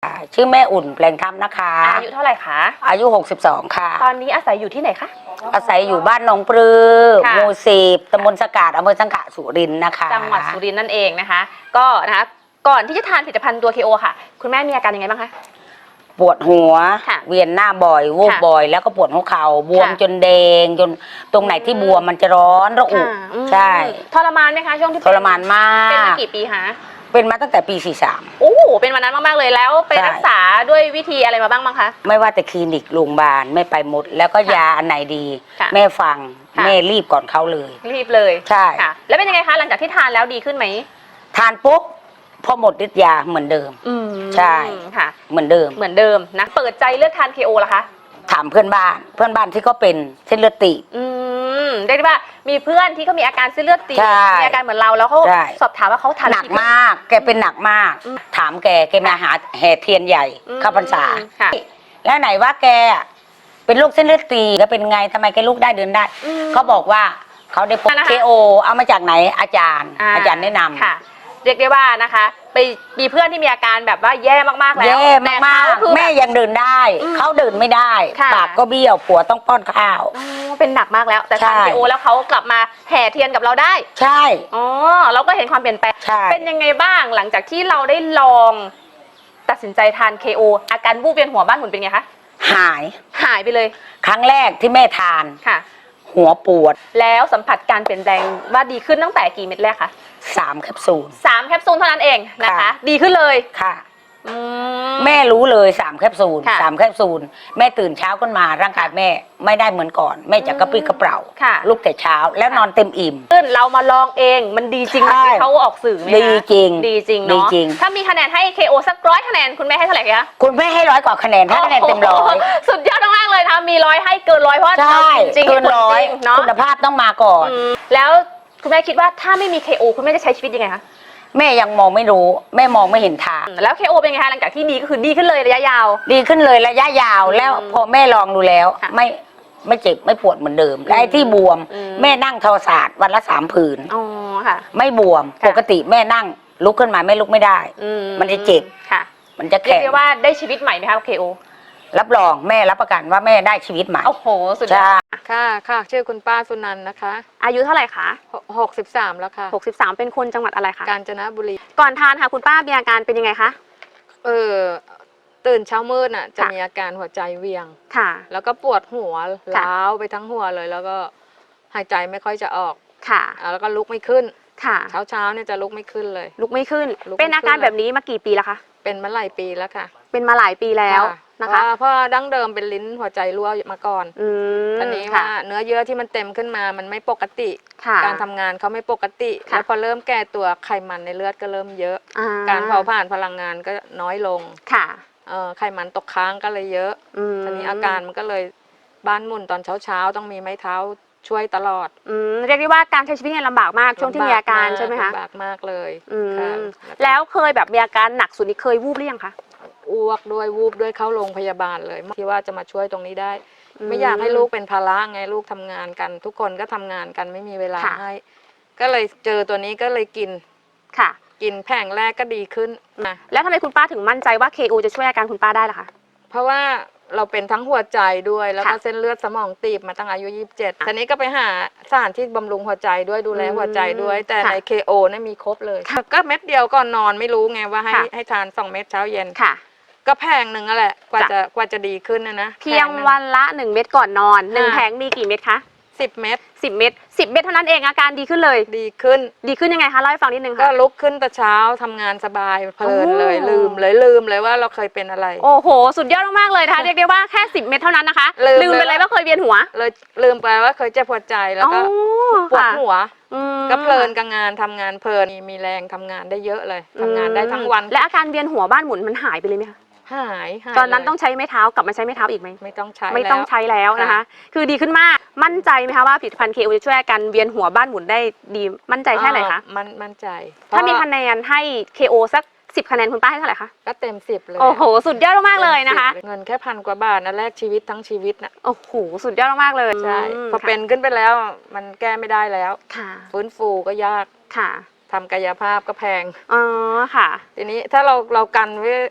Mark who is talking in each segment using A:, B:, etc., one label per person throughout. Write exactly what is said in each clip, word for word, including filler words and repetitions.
A: ชื่อแม่อุ่นแปลงธรรมนะคะ
B: อายุเท่าไหร่คะ
A: อายุหกสิบสองค่ะ
B: ตอนนี้อาศัยอยู่ที่ไหนคะ
A: อาศัยอยู่บ้านหนองปลือหมู่สิบตำบลสกาดอำเภอสังขะสุรินทร์นะคะ
B: จังหวัดสุรินทร์นั่นเองนะคะก็นะคะก่อนที่จะทานผลิตภัณฑ์ตัว เค โอ ค่ะคุณแม่มีอาการยังไงบ้างคะ
A: ปวดหัวเวียนหน้าบ่อยวูบบ่อยแล้วก็ปวดหัวเข่าบวมจนแดงจนตรงไหนที่บวมมันจะร้อนระอุใช่
B: ทรมานไหมคะช่วงที่
A: ทรมานมาก
B: เป็นมากี่ปีคะ
A: เป็นมาตั้งแต่ปีสี่สิบสาม
B: โอ้เป็นวันนั้นมากๆเลยแล้วไปรักษาด้วยวิธีอะไรมาบ้างบ้างคะ
A: ไม่ว่าแต่คลินิกโรงพยาบาลไม่ไปหมดแล้วก็ยาอันไหนดีแม่ฟังแม่รีบก่อนเขาเลย
B: รีบเลย
A: ใช่
B: ค่ะแล้วเป็นยังไงคะหลังจากที่ทานแล้วดีขึ้นไหม
A: ทานปุ๊บพอหมดฤทธิ์ยาเหมือนเดิมใช่
B: ค่ะ
A: เหมือนเดิม
B: เหมือนเดิมนะเปิดใจเลือกทาน เค โอ ล่ะคะ
A: ถามเพื่อนบ้านเพื่อนบ้านที่เขาเป็นเส้นเลือดตีบ
B: อืมเรียกได้ว่ามีเพื่อนที่เขามีอาการเส้นเลือดตีบมีอาการเหมือนเราแล้วเขาสอบถามว่าเขาทาน
A: หนักมากแกเป็นหนักมากถามแกแกมาหาแห่เทียนใหญ่เข้าพรรษาแล้วไหนว่าแกเป็นโรคเส้นเลือดตีบแล้วเป็นไงทำไมแกลุกได้เดินได้เขาบอกว่าเขาได้พบ เค โอ เอามาจากไหนอาจารย์อาจารย์แนะนำ
B: ค่ะเรียกได้ว่านะคะไปมีเพื่อนที่มีอาการแบบว่าแย่มากๆแล้ว
A: แย่มากๆแม่ยังเดินได้เขาเดินไม่ได้ปากก็เบี้ยวผัวต้องป้อนข้าว
B: เป็นหนักมากแล้วแต่ทาน เค โอ แล้วเขากลับมาแห่เทียนกับเราได้
A: ใช่
B: อ๋อเราก็เห็นความเปลี่ยนแปลงเป็นยังไงบ้างหลังจากที่เราได้ลองตัดสินใจทาน เค โอ อาการวูบเวียนหัวบ้านหมุนเป็นไงคะ
A: หาย
B: หายไปเลย
A: ครั้งแรกที่แม่ทาน
B: ค่ะ
A: หัวปวด
B: แล้วสัมผัสการเปลี่ยนแปลงว่าดีขึ้นตั้งแต่กี่เม็ดแรกคะ
A: สามแคปซูล
B: สามแคปซูลเท่านั้นเองนะคะดีขึ้นเลย
A: ค่ะแม่รู้เลยสามแคปซูลสามแคปซูลแม่ตื่นเช้าขึ้นมาร่างกายแม่ไม่ได้เหมือนก่อนแม่จะกระปรี้กระเปร่าลุกแต่เช้าแล้วนอนเต็มอิ่ม
B: ขึ้นเรามาลองเองมันดีจริงไหมเขาออกสื่อไหม
A: ดีจริง
B: ดีจริงเนาะถ้ามีคะแนนให้ เค โอ สักร้อยคะแนนคุณแม่ให้เท่าไหร่คะ
A: คุณแม่ให้ร้อยกว่าคะแนนถ้าคะแนนเต็มร้อย
B: สุดยอดมากเลยนะคะมีร้อยให้เกินร้อยเพราะจริง
A: เกินร้อยคุณภาพต้องมาก่อน
B: แล้วคุณแม่คิดว่าถ้าไม่มี เค โอ คุณแม่จะใช้ชีวิตยังไงคะ
A: แม่ยังมองไม่รู้แม่มองไม่เห็นทาง
B: แล้ว เค โอ เป็นไงคะหลังจากที่ดีก็คือดีขึ้นเลยระยะยาว
A: ดีขึ้นเลยระยะยาวแล้วพอแม่ลองดูแล้วไม่ไม่เจ็บไม่ปวดเหมือนเดิมและไอ้ที่บวมแม่นั่งทอศาสตร์วันละสามผืน
B: อ๋อค่ะ
A: ไม่บวมปกติแม่นั่งลุกขึ้นมาไม่ลุกไม่ได้มันจะเจ็บ
B: ค่ะ
A: มันจะแข็ง
B: เรียกว่าได้ชีวิตใหม่ไหมคะ เค โอ
A: รับรองแม่รับประกันว่าแม่ได้ชีวิตใหม่
B: โอ้โหสุดยอด
C: ค่ะค่ะชื่อคุณป้าสุนันท์นะคะ
B: อายุเท่าไหร่คะ
C: หกสิบสามแล้วค่ะ
B: หกสิบสามเป็นคนจังหวัดอะไรคะ
C: กาญจนบุรี
B: ก่อนทานค่ะคุณป้ามีอาการเป็นยังไงคะ
C: เออตื่นเช้ามืดน่ะจะมีอาการหัวใจเวียง
B: ค่ะ
C: แล้วก็ปวดหัวล้าวไปทั้งหัวเลยแล้วก็หายใจไม่ค่อยจะออก
B: ค่ะ
C: แล้วก็ลุกไม่ขึ้น
B: ค่ะ
C: เช้าเช้าเนี่ยจะลุกไม่ขึ้นเลย
B: ลุกไม่ขึ้นเป็นอาการแบบนี้มากี่ปีแล้วคะ
C: เป็นมาหลายปีแล้วค่ะ
B: เป็นมาหลายปีแล้วนะคะ
C: เพราะดั้งเดิมเป็นลิ้นหัวใจรั่วมาก่อนตอนนี้ว่าเนื้อเยื่อที่มันเต็มขึ้นมามันไม่ปกติการทำงานเขาไม่ปกติแล้วพอเริ่มแก่ตัวไขมันในเลือดก็เริ่มเยอะการเผาผลาญพลังงานก็น้อยลง
B: ค่ะ
C: ไขมันตกค้างก็เลยเยอะตอนนี้อาการมันก็เลยบ้านหมุนตอนเช้าๆต้องมีไม้เท้าช่วยตลอด
B: เรียกได้ว่าการใช้ชีวิตเนี่ยลำบากมากช่วงที่มีอาการใช่ไหมคะ
C: ลำบากมากเลย
B: แล้วเคยแบบมีอาการหนักสุดนี่เคยวูบหรือยังคะ
C: อ้วกด้วยวูบด้วยเข้าโรงพยาบาลเลยที่ว่าจะมาช่วยตรงนี้ได้ไม่อยากให้ลูกเป็นภาระไงลูกทำงานกันทุกคนก็ทำงานกันไม่มีเวลาให้ก็เลยเจอตัวนี้ก็เลยกิน
B: ค่ะ
C: กินแผงแรกก็ดีขึ้น
B: นะแล้วทำไมคุณป้าถึงมั่นใจว่า เค โอ จะช่วยอาการคุณป้าได้ล่ะคะ
C: เพราะว่าเราเป็นทั้งหัวใจด้วยแล้วก็เส้นเลือดสมองตีบมาตั้งอายุยี่สิบเจ็ดทีนี้ก็ไปหาสถานที่บำรุงหัวใจด้วยดูแลหัวใจด้วยแต่ใน เค โอ เนี่ยมีครบเลยก็เม็ดเดียวก่อนนอนไม่รู้ไงว่าให้ให้ทานสองเม็ดเช้าเย็น
B: ค่ะ
C: ก็แพงหนึ่งแหละกว่าจะกว่าจะดีขึ้นนะนะ
B: เพียงวันละหนึ่งเม็ดก่อนนอนหนึ่งแผงมีกี่เม็ดคะ
C: สิบเม็ด
B: สิบเม็ดสิบเม็ดเท่านั้นเองอาการดีขึ้นเลย
C: ดีขึ้น
B: ดีขึ้นยังไงคะเล่าให้ฟังนิดนึงค่ะ
C: ก็ลุกขึ้นแต่เช้าทำงานสบายเพลินเลยลืมเลยลืมเลยว่าเราเคยเป็นอะไร
B: โอ้โหสุดยอดมากๆเลยนะคะเรียกได้ว่าแค่สิบเม็ดเท่านั้นนะคะลืมไปเลยว่าเคยเวียนหัว
C: เลยลืมไปว่าเคยเจ็บหัวใจแล้วก็ปวดหัวก็เพลินกับงานทำงานเพลินมีแรงทำงานได้เยอะเลยทำงานได้ทั้งวัน
B: และอาการเวียนหัวบ้านหมุนมันหายไปเลยไหมคะ
C: หาย
B: ตอนนั้นต้องใช้ไม้เท้ากลับมาใช้ไม้เท้าอีกไหม
C: ไม่ต้องใช้
B: ไม่ต้องใช้แล้วนะคะคือดีขึ้นมากมั่นใจไหมคะว่าผลิตภัณฑ์ เค โอ จะช่วยอาการเวียนหัวบ้านหมุนได้ดีมั่นใจแค่ไหนคะ
C: มั่นมั่นใจ
B: ถ้ามีคะแนนให้ เค โอ สักสิบคะแนนคุณป้าให้เท่าไหร่คะ
C: ก็เต็มสิบเลย
B: โอ้โหสุดยอดมากเลยนะคะ
C: เงินแค่พันกว่าบาทนะแลกชีวิตทั้งชีวิตนะ
B: โอ้โหสุดยอดมากเลย
C: ใช่พอเป็นขึ้นไปแล้วมันแก้ไม่ได้แล้ว
B: ค่ะ
C: ฟื้นฟูก็ยาก
B: ค่ะ
C: ทำกายภาพก็แพง
B: อ๋อค่ะ
C: ทีนี้ถ้าเราเรากันไว้ต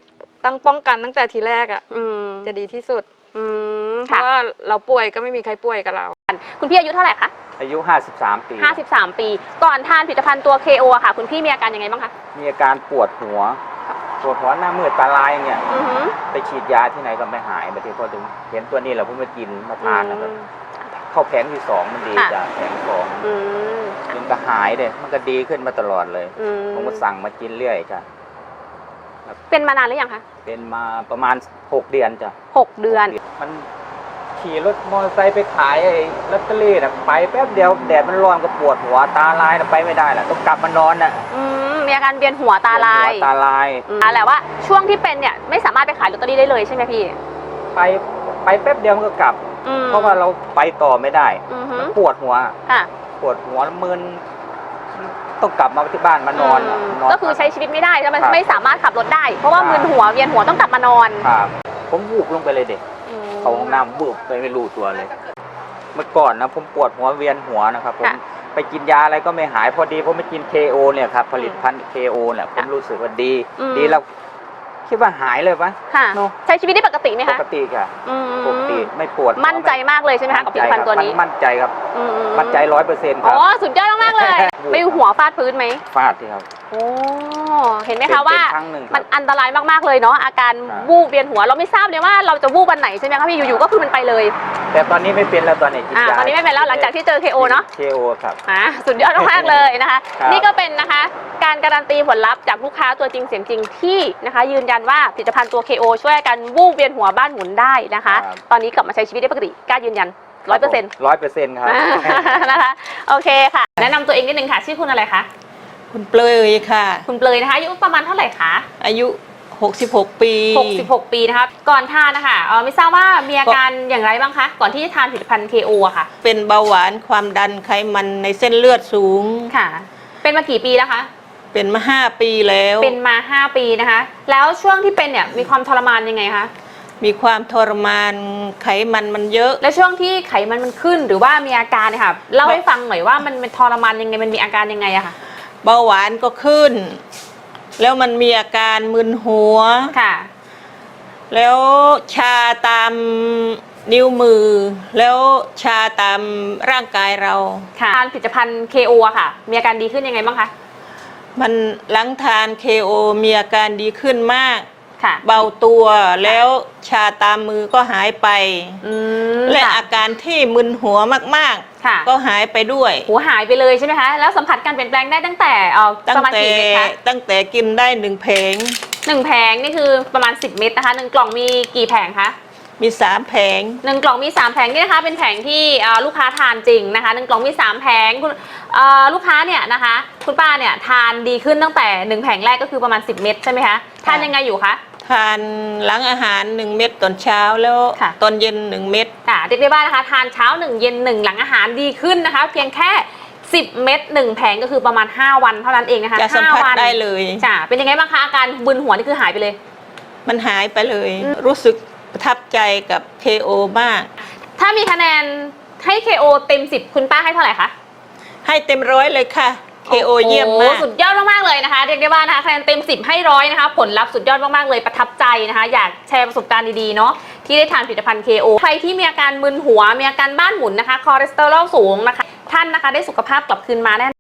C: ต้องป้องกันตั้งแต่ทีแรกอ่ะ
B: อืม
C: จะดีที่สุด
B: อืม
C: เพ
B: ค่ะ
C: ราะว่าเราป่วยก็ไม่มีใครป่วยกับเรา
B: คุณพี่อายุเท่าไหร่คะ
D: อายุห้าสิบสามปี
B: ห้าสิบสามปี ก่อนทานผลิตภัณฑ์ตัว เค โอ อะค่ะ คุณพี่มีอาการยังไงบ้างคะ
D: มีอาการปวดหัว ปวดหัวหน้ามืดตาลายอย่างเงี้ย
B: อือหือ
D: ไปฉีดยาที่ไหนก็ไม่หายบางทีพอถึงเห็นตัวนี้เราเพิ่งมากินมาทานนะครับ
B: อืม
D: เข้าแผงที่สองมันดี
B: ค่ะ
D: จ้ะแผงสอง
B: อืม
D: มันก็หายเลยมันก็ดีขึ้นมาตลอดเลย
B: อืม
D: ผมก็สั่งมากินเรื่อยจ้ะ
B: เป็นมานานหรือยังคะ
D: เป็นมาประมาณหกเดือนจ้ะ
B: หกเดือน
D: มันขี่รถมอเตอร์ไซค์ไปขายไอ้ลอตเตอรี่น่ะไปแป๊บเดียวแดดมันร้อนก็ปวดหัวตาลายน่ะไปไม่ได้แหละต้องกลับมานอนน่ะ
B: อืม มีอาการเวียนหัวตาลาย
D: หัวตาลาย
B: อืมแต่ว่าช่วงที่เป็นเนี่ยไม่สามารถไปขายลอตเตอรี่ได้เลยใช่ไหมพี่
D: ไปไปแป๊บเดียวมันก็กลับ
B: อืม
D: เพราะว่าเราไปต่อไม่ได้
B: อือหื
D: มั
B: อน
D: ปวดหัว
B: ค่ะ
D: ปวดหัวมึนต้องกลับมาที่บ้านมานอน
B: ม
D: นน
B: ก็คือใช้ชีวิตไม่ได้แล้วมัน
D: ครับ
B: ไม่สามารถขับรถได้ เพราะว่า
D: ครับ
B: มึนหัวเวียนหัวต้องกลับมานอน
D: ครับผมวูบลงไปเลยเด็ก
B: อืม
D: เข้าห้องน้ำวูบไปไม่รู้ตัวเลย เมื่อก่อนนะผมปวดหัวเวียนหัวนะครับผม
B: ค่ะ
D: ไปกินยาอะไรก็ไม่หายพอดีผมไปกิน เค โอ เนี่ยครับผลิตภัณฑ์ เค โอ เนี่ยผมรู้สึกว่าดี
B: อืม
D: ดีแล้วคิดว่าหายเลยปะ
B: ค่ะ
D: เนอะ
B: ใช้ชีวิตได้ปกติไหม
D: ป
B: คะ
D: กติค่ะ
B: อืม
D: ปกติไม่ปวด
B: มั่นใจมากเลยใช่ไหมคะกับผลิตภัณฑ์ตัวนี้
D: มั่นใจครับ
B: อื
D: มั่นใจร้อยเปอร์เซ็นต์ค
B: อ๋
D: รับ
B: อสุดยอดมากๆเลย
D: วูบ
B: ไปหัวฟาดพื้นไหม
D: ฟาดที่ครับ
B: โอ้เห็นไหมคะว่า
D: เป็นครั้งหนึ่งครับ
B: มันอันตรายมากๆเลยเนาะอาการ
D: ครับ
B: วูบเวียนหัวเราไม่ทราบเลยว่าเราจะวูบวันไหนใช่ไหมคะพี่อยู่ๆก็คือมันไปเลย
D: แต่ตอนนี้ไม่เป็นแล้วตอนนี้กิน
B: อ่าย
D: า
B: ตอนนี้ไม่เป็นแล้วหลังจากที่เจอ เค โอ เนาะ
D: เค โอ ครับ
B: อ่าสุดยอดมากๆเลยนะคะ
D: ครับ
B: นี่ก็เป็นนะคะการการันตีผลลัพธ์จากลูกค้าตัวจริงเสียงจริงที่นะคะ ยืนยันว่าผลิตภัณฑ์ตัว เค โอ ช่วยอาการวูบเวียนหัวบ้านหมุนได้นะคะ ตอนนี้กลับมาใช้ชีวิตได้ปกติกล้ายืนยันร้อยเปอร์เซ็นต์
D: ร้อยเปอร์เซ็นต์ครับ
B: นะคะโอเคค่ะ แนะนำตัวเองนิดนึงค่ะชื่อคุณอะไรคะ
E: คุณเปลยค่ะ
B: คุณเปลยนะคะอายุประมาณเท่าไหร่คะ
E: อายุ หกสิบหก ปี
B: หกสิบหก ปีนะคะก่อนทานนะคะเออไม่ทราบว่ามีอาการอย่างไรบ้างคะก่อนที่จะทานผลิตภัณฑ์ เค โอ อะค่ะ
E: เป็นเบาหวานความดันไขมันในเส้นเลือดสูง
B: ค่ะ เป็นมากี่ปีแล้วคะ
E: เป็นมาห้าปีแล้ว
B: เป็นมา ห้า ปีนะคะ แล้วช่วงที่เป็นเนี่ยมีความทรมานยังไงคะ
E: มีความทรมานไขมันมันเยอะ
B: แล้วช่วงที่ไขมันมันขึ้นหรือว่ามีอาการเนี่ยค่ะเล่าให้ฟังหน่อยว่ามันเป็นทรมานยังไงมันมีอาการยังไงอะค่ะ
E: เบาหวานก็ขึ้น แล้วมันมีอาการมึนหัว
B: ค่ะ
E: แล้วชาตามนิ้วมือ แล้วชาตามร่างกายเรา
B: ค่ะทานผลิตภัณฑ์ เค โอ อะค่ะ มีอาการดีขึ้นยังไงบ้างคะ
E: มันหลังทาน เค โอ มีอาการดีขึ้นมาก
B: ค่ะ
E: เบาตัวแล้วชาตามมือก็หายไป
B: อืม
E: และ
B: ค่ะ
E: อาการที่มึนหัวมาก
B: ค่ะ
E: ๆ ก็หายไปด้วย
B: หัวหายไปเลยใช่ไหมคะ แล้วสัมผัสการเปลี่ยนแปลงได้ตั้งแต่เอ่อ
E: ตั้
B: ป
E: ง
B: ระมาณ
E: แต่
B: กี่เม็ดคะ
E: ตั้งแต่กินได้หนึ่งเพลง
B: หนึ่งแผงนี่คือประมาณสิบเม็ดนะคะหนึ่งกล่องมีกี่แผงคะ
E: มีสามแผง
B: หนึ่งกล่องมีสามแผงนี่นะคะเป็นแผงที่เอ่อลูกค้าทานจริงนะคะหนึ่งกล่องมีสามแผงคุณเอ่อลูกค้าเนี่ยนะคะคุณป้าเนี่ยทานดีขึ้นตั้งแต่หนึ่งแผงแรกก็คือประมาณสิบเม็ดใช่ไหมคะทานยังไงอยู่คะ
E: ทานหลังอาหารหนึ่งเม็ดตอนเช้าแล้ว
B: ค่ะ
E: ตอนเย็นหนึ่งเม็ด
B: ค่ะเรียกได้ว่านะคะทานเช้าหนึ่งเย็นหนึ่งหลังอาหารดีขึ้นนะคะ เพียงแค่สิบเม็ดหนึ่งแผงก็คือประมาณห้าวันเท่านั้นเองนะคะ
E: จะสัม
B: ห้า
E: ผัส
B: วัน
E: ได้เลย
B: จ้ะเป็นยังไงบ้างคะอาการบึนหัวนี่คือหายไปเลย
E: มันหายไปเลย
B: อืม
E: รู้สึกประทับใจกับ เค โอ มาก
B: ถ้ามีคะแนนให้ เค โอ เต็มสิบคุณป้าให้เท่าไหร่คะ
E: ให้เต็มร้อยเลยค่ะ เค โอ เยี่ยมมาก
B: โอ้สุดยอดมากๆเลยนะคะเรียกได้ว่านะคะคะแนนเต็มสิบให้ร้อยนะคะผลลัพธ์สุดยอดมากๆเลยประทับใจนะคะอยากแชร์ประสบการณ์ดีๆเนาะที่ได้ทานผลิตภัณฑ์ เค โอ ใครที่มีอาการมึนหัวมีอาการบ้านหมุนนะคะคอเลสเตอรอลสูงนะคะท่านนะคะได้สุขภาพกลับคืนมาแน่